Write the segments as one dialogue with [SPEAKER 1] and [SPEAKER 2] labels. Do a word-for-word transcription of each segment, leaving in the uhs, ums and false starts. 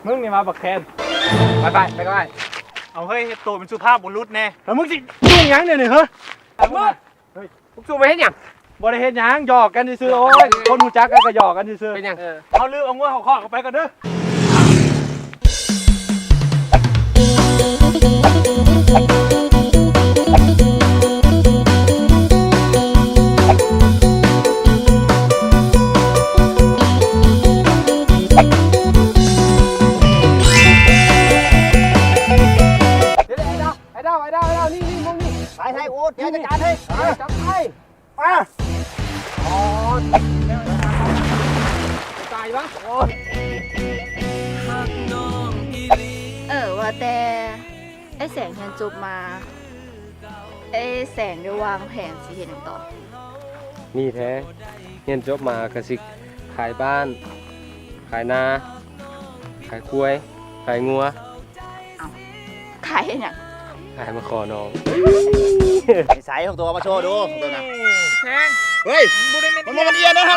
[SPEAKER 1] มึงนี่มาบักแคนไปไปไปก็ไปเอาเฮ้ยตัวเป็นสุภาพบุรุษแน่แล้วมึงสิยุ่งยังเนี่ยนี่เฮ้ยมึงเฮ้ยมึงสู้ไปเฮ็ดหยังบ่ได้เฮ็ดหยังหยอกกันซื่อๆโอ้ยคนหูจักกันก็หยอกกันซื่อๆเป็นหยังเอาลือเอางัวเขาข้อกันไปกันเด้อ
[SPEAKER 2] ไปไทยอูดเดี๋ยวจัดการให้จับไปมาอ๋อตายปะโอ้ย
[SPEAKER 3] เออว่าแต่ไอ้แสงเฮียนจบมาไอ้แสงได้วางแผนสิเห็นต่อ
[SPEAKER 4] นี่แท้เรียนจบมากระสิขายบ้านขายนาขายกล้วยขายงัว
[SPEAKER 3] ขายเนี่ย
[SPEAKER 4] ขายมาขอน้อง
[SPEAKER 2] ใส่ของตัวมาโชว์ดูตัวนะ
[SPEAKER 1] แทง
[SPEAKER 2] เฮ้ยมันมันเอียนนะฮะ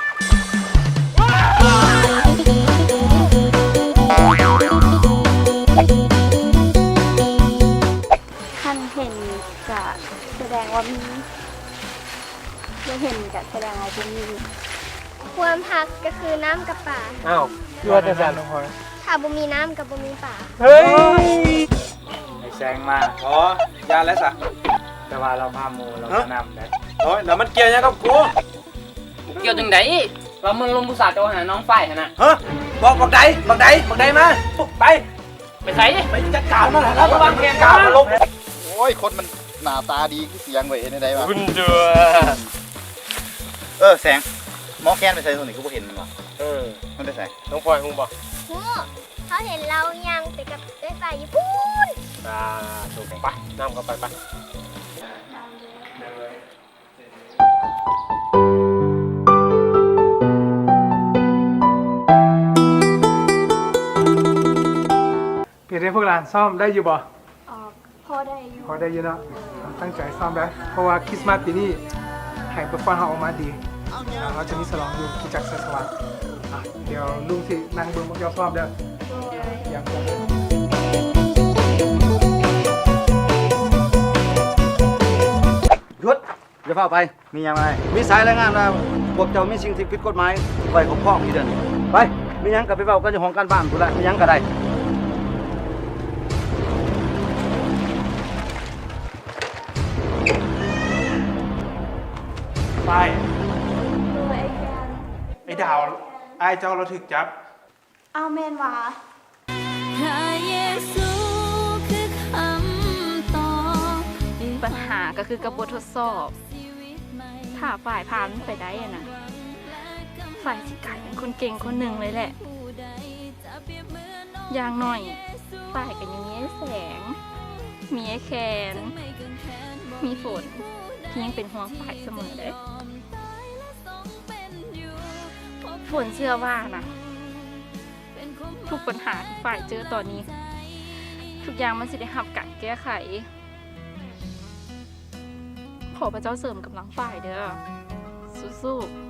[SPEAKER 3] ท่านเห็นจะแสดงว่ามีไม่เห็นจะแสดงว่ามี
[SPEAKER 5] ความพักก็คือน้ำกับป่า
[SPEAKER 4] อ้าวยั่วจะแซนลงคอย
[SPEAKER 5] ถ้าบ่มีน้ำกับบ่มีป่า
[SPEAKER 1] เฮ้ย
[SPEAKER 6] ไอ้แซงมาอ๋อยาแล้วสะแต่ว่าเราพามูเรานำได้โอ้ยแล้วมันเกี่ยวยังกับกู
[SPEAKER 7] เกี่ยวจังไดเรามันลงบุษาโจหาน้องฝ่ายนะ
[SPEAKER 6] ฮะบอกบอกใดบอกใดบอกใดมาไป
[SPEAKER 7] ไปใส่
[SPEAKER 6] ไปจัดการมันแล้ววางแผนการมาลง
[SPEAKER 2] โอ้ยคนมันหน้าตาดีเสียงไว้ในใดวะ
[SPEAKER 6] คุณเดือ
[SPEAKER 2] เออแสงหมอแคนไปใส่ตัวนี้กูเห็นมันหรอ
[SPEAKER 6] เออ
[SPEAKER 2] มันไปใส่
[SPEAKER 6] น้องพลอยคงบอก
[SPEAKER 5] โอ้เขาเห็นเรายังไปกับเอ้ยฝ่ายญี่ปุ่น
[SPEAKER 6] อ่าถูกไปน้ำเข้าไปไป
[SPEAKER 1] เปลี่ยนให้พวกหลานซ่อมได้อยู่บ่
[SPEAKER 3] อ๋อพอได้อยู่
[SPEAKER 1] พอได้อยู่เนาะตั้งใจซ่อมได้เพราะว่าคริสต์มาสปีนี้ให้เปอร์ฟอร์มเขาออกมาดีเราจะมีฉลองอยู่ที่จักรสวรรค์เดี๋ยวลุงสินั่งเบิ่งพวกเจ้าซ่อมเด้ออย่างคง
[SPEAKER 2] หยุดอย่าเฝ้าไปมียังไงมีสายรายงานว่าพวกเจ้ามีสิ่งที่ผิดกฎหมายไว้ของพ่อที่เดินไปมียังกับไปเฝ้ากันอยู่ห้องการบ้านกูละมียังก็ได้
[SPEAKER 1] ไปไอ้ดาวไอ้เจ้าเราถึกจับ
[SPEAKER 3] เอาแมนวะปัญหาก็คือกระบวนทดสอบถ้าฝ่ายผ่านไปได้อะนะฝ่ายสิกลายเป็นคนเก่งคนหนึ่งเลยแหละอย่างหน่อยฝ่ายกันยังมีไอ้แสงมีไอ้แคนมีฝนที่ยังเป็นห่วงฝ่ายเสมอเลยฝนเชื่อว่านะทุกปัญหาที่ฝ่ายเจอตอนนี้ทุกอย่างมันสิได้รับการแก้ไขขอพระเจ้าเสริมกำลังฝ่ายเด้อสู้ๆ